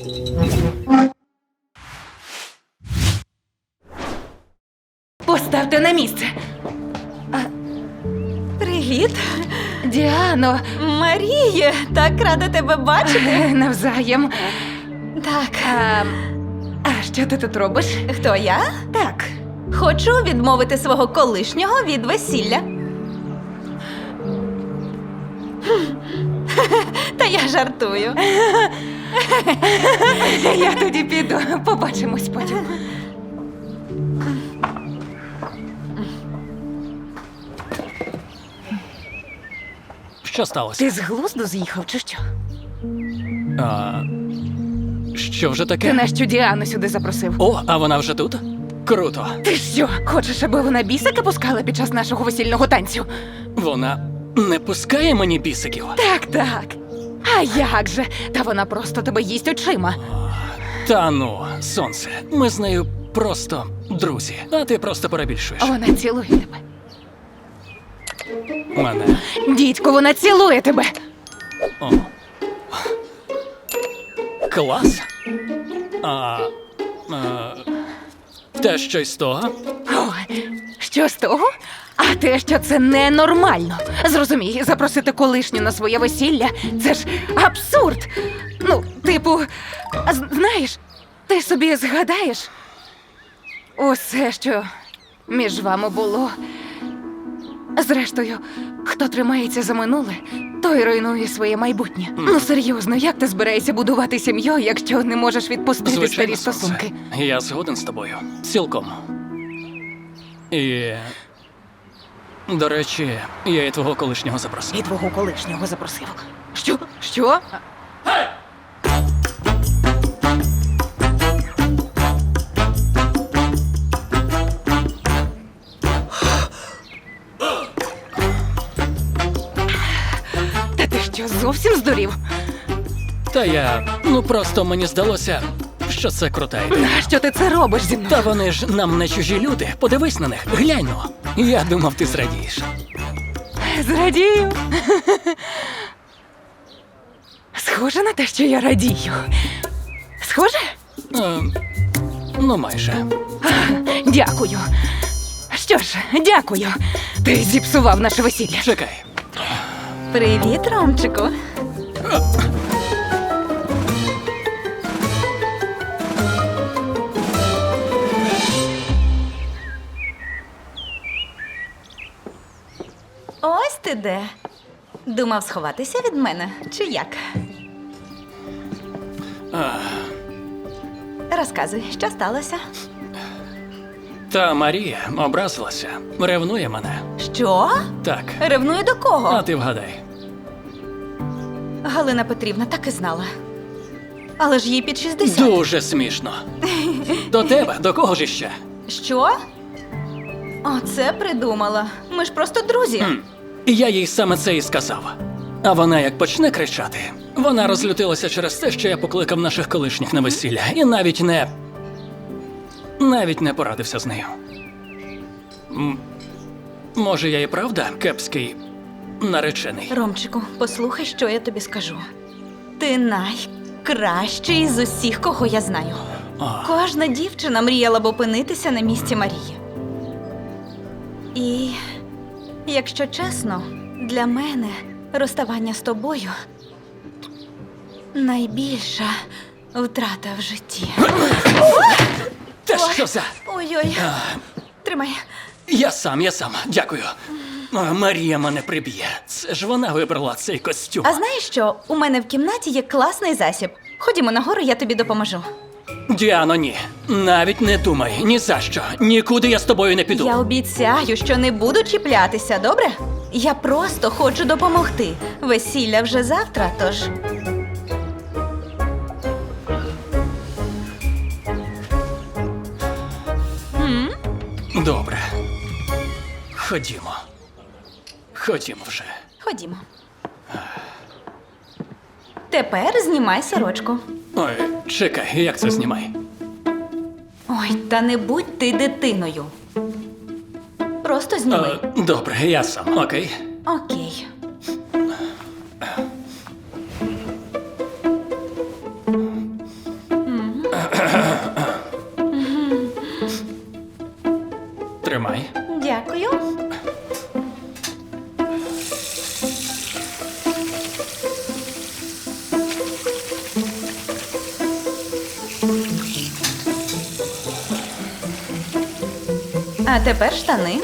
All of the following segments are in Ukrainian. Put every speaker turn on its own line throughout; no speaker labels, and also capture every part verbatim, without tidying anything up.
Поставте на місце.
Привіт,
Діано,
Маріє, так рада тебе бачити.
навзаєм.
Так,
А, а що ти тут робиш?
хто я?
Так.
Хочу відмовити свого колишнього від весілля. Та я жартую.
Я тоді піду. Побачимось потім.
Що сталося?
Ти з глузду з'їхав, чи що?
А, що вже таке?
Ти нащо Діану сюди запросив?
О, а вона вже тут? Круто.
Ти що, хочеш, аби вона бісика пускала під час нашого весільного танцю?
Вона не пускає мені бісиків.
Так, так. А як же? Та вона просто тебе їсть очима.
Та ну, сонце, ми з нею просто друзі, а ти просто перебільшуєш.
Вона цілує тебе.
Мене.
Дідько, вона цілує тебе.
О. Клас. А, а, те щось з того?
Ой, що з того? А те, що це ненормально. Зрозумій, запросити колишню на своє весілля – це ж абсурд. Ну, типу, а з- знаєш, ти собі згадаєш усе, що між вами було. Зрештою, хто тримається за минуле, той руйнує своє майбутнє. Ну серйозно, як ти збираєшся будувати сім'ю, якщо не можеш відпустити
Звичайно,
старі
сонце.
стосунки?
Я згоден з тобою. Цілком. І... До речі, я і твого колишнього запросив.
І твого колишнього запросив. Що? Що? Та ти що, зовсім здурів?
Та я... Ну просто мені здалося, що це крута ідея.
Нащо ти це робиш зі мною?
Та вони ж нам не чужі люди. Подивись на них, глянь ну. Я думав, ти зрадієш.
Зрадію. Схоже на те, що я радію. Схоже?
Е, ну, майже.
Дякую. Що ж, дякую. Ти зіпсував наше весілля.
Чекай.
Привіт, Ромчику. Ось ти де. Думав сховатися від мене, чи як? Розказуй, що сталося?
Та Марія образилася, ревнує мене.
Що?
Так.
Ревную до кого?
А ти вгадай.
Галина Петрівна так і знала. Але ж їй під шістдесят.
Дуже смішно. До тебе, до кого ж іще?
Що? Оце придумала. Ми ж просто друзі.
Хм. І я їй саме це і сказав. А вона як почне кричати, вона розлютилася через те, що я покликав наших колишніх на весілля. І навіть не... Навіть не порадився з нею. М, Може, я і правда кепський наречений?
Ромчику, послухай, що я тобі скажу. Ти найкращий з усіх, кого я знаю.
О,
Кожна дівчина мріяла б опинитися на місці Марії. І, якщо чесно, для мене розставання з тобою найбільша втрата в житті.
те що за...
Ой-ой. Тримай.
Я сам, я сам, дякую. А, Марія мене приб'є. Це ж вона вибрала цей костюм.
А знаєш що? У мене в кімнаті є класний засіб. Ходімо нагору, я тобі допоможу.
Діано, ні. Навіть не думай, ні за що. Нікуди я з тобою не піду.
Я обіцяю, що не буду чіплятися, добре? Я просто хочу допомогти. Весілля вже завтра, тож. М?
Добре. Ходімо. Ходімо вже.
Ходімо. Тепер знімай сорочку.
Ой, чекай, як це знімай?
Ой, та не будь ти дитиною. Просто зніми.
А, добре, я сам, окей.
Окей. А тепер штани.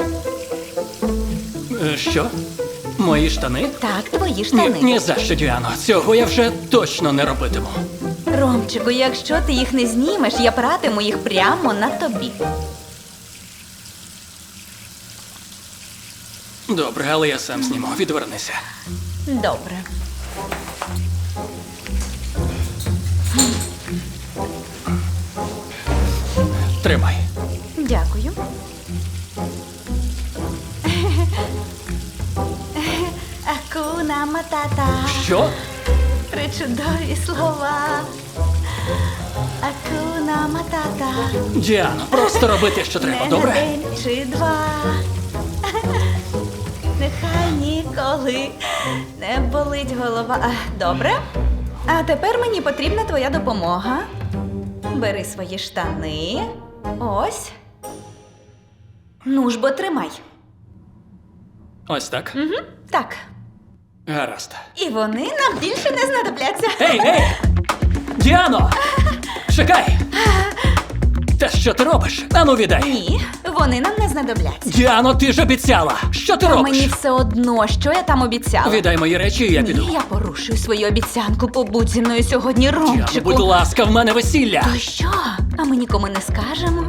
Е, Що? Мої штани?
Так, твої
Ні,
штани.
ні за що, Діано. Цього я вже точно не робитиму.
Ромчику, якщо ти їх не знімеш, я пратиму їх прямо на тобі.
Добре, але я сам зніму. Відвернися.
Добре.
Тримай.
Дякую. Акуна матата.
Що?
Причудові слова. Акуна матата.
Діано, просто роби те, що треба,
Не
добре?
на день чи два. Нехай ніколи не болить голова. А, добре. А тепер мені потрібна твоя допомога. Бери свої штани. Ось. Ну ж бо тримай.
Ось так.
Угу. Так.
Гаразд.
І вони нам більше не знадобляться.
Ей, ей! Діано! Чекай! Та що ти робиш? Ану, віддай!
Ні, вони нам не знадобляться.
Діано, ти ж обіцяла! Що ти
А
робиш?
мені все одно, що я там обіцяла.
Віддай мої речі, і я піду.
Ні, я порушую свою обіцянку. Побудь зі мною сьогодні,
Діано,
Ромчику.
будь ласка, в мене весілля!
То що? А ми нікому не скажемо?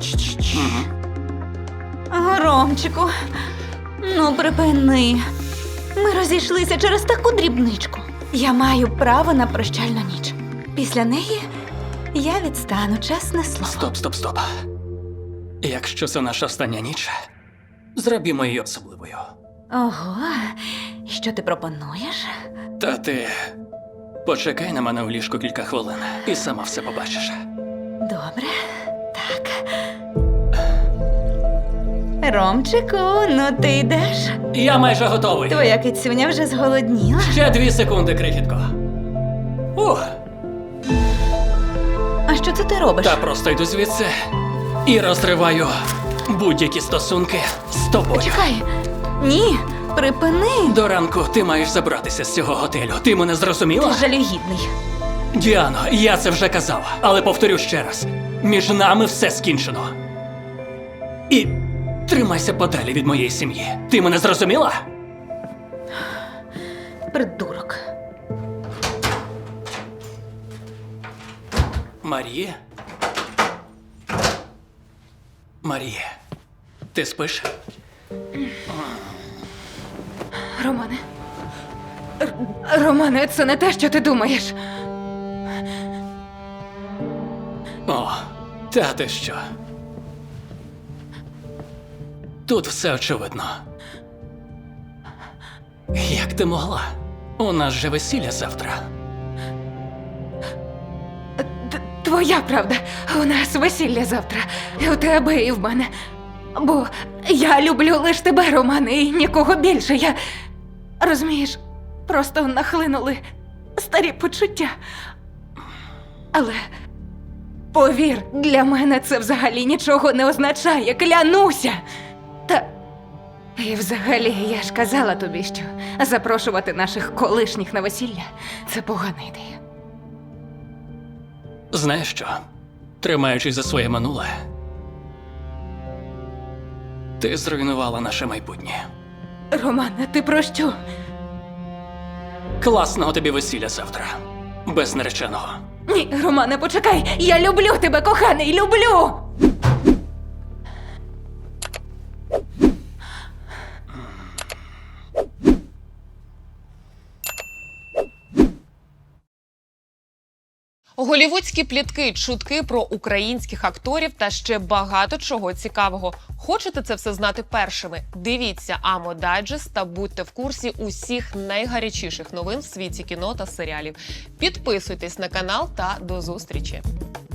Ага, Ромчику, ну припини. Ми розійшлися через таку дрібничку. Я маю право на прощальну ніч. Після неї я відстану, чесне слово.
Стоп, стоп, стоп. Якщо це наша остання ніч, зробімо її особливою.
Ого, і що ти пропонуєш?
Та ти почекай на мене у ліжку кілька хвилин і сама все побачиш.
Добре, так. Ромчику, ну ти йдеш?
Я майже готовий.
Твоя кицюня вже зголодніла.
Ще дві секунди, крихітко. Ух,
А що це ти робиш?
та просто йду звідси і розриваю будь-які стосунки з тобою.
Чекай. Ні, припини.
До ранку ти маєш забратися з цього готелю. Ти мене зрозуміла?
Ти жалюгідний.
Діано, я це вже казав, але повторю ще раз. Між нами все скінчено. І тримайся подалі від моєї сім'ї. Ти мене зрозуміла?
Придурок.
Марія? Марія, ти спиш?
Романе. Р- Романе, це не те, що ти думаєш.
О, та ти що? Тут все очевидно. Як ти могла? У нас же весілля завтра.
Т- Твоя правда, у нас весілля завтра. І у тебе, і в мене. Бо я люблю лише тебе, Романе, і нікого більше. Я. Розумієш, просто нахлинули старі почуття. Але повір, для мене це взагалі нічого не означає, клянуся. Та. І взагалі, я ж казала тобі, що запрошувати наших колишніх на весілля це погана ідея.
Знаєш що? Тримаючись за своє минуле, ти зруйнувала наше майбутнє.
Романе, ти про що?
Класного тобі весілля завтра. Без нареченого.
Ні, Романе, почекай! Я люблю тебе, коханий, люблю!
Голівудські плітки, чутки про українських акторів та ще багато чого цікавого. Хочете це все знати першими? Дивіться Амо Дайджест та будьте в курсі усіх найгарячіших новин в світі кіно та серіалів. Підписуйтесь на канал та до зустрічі!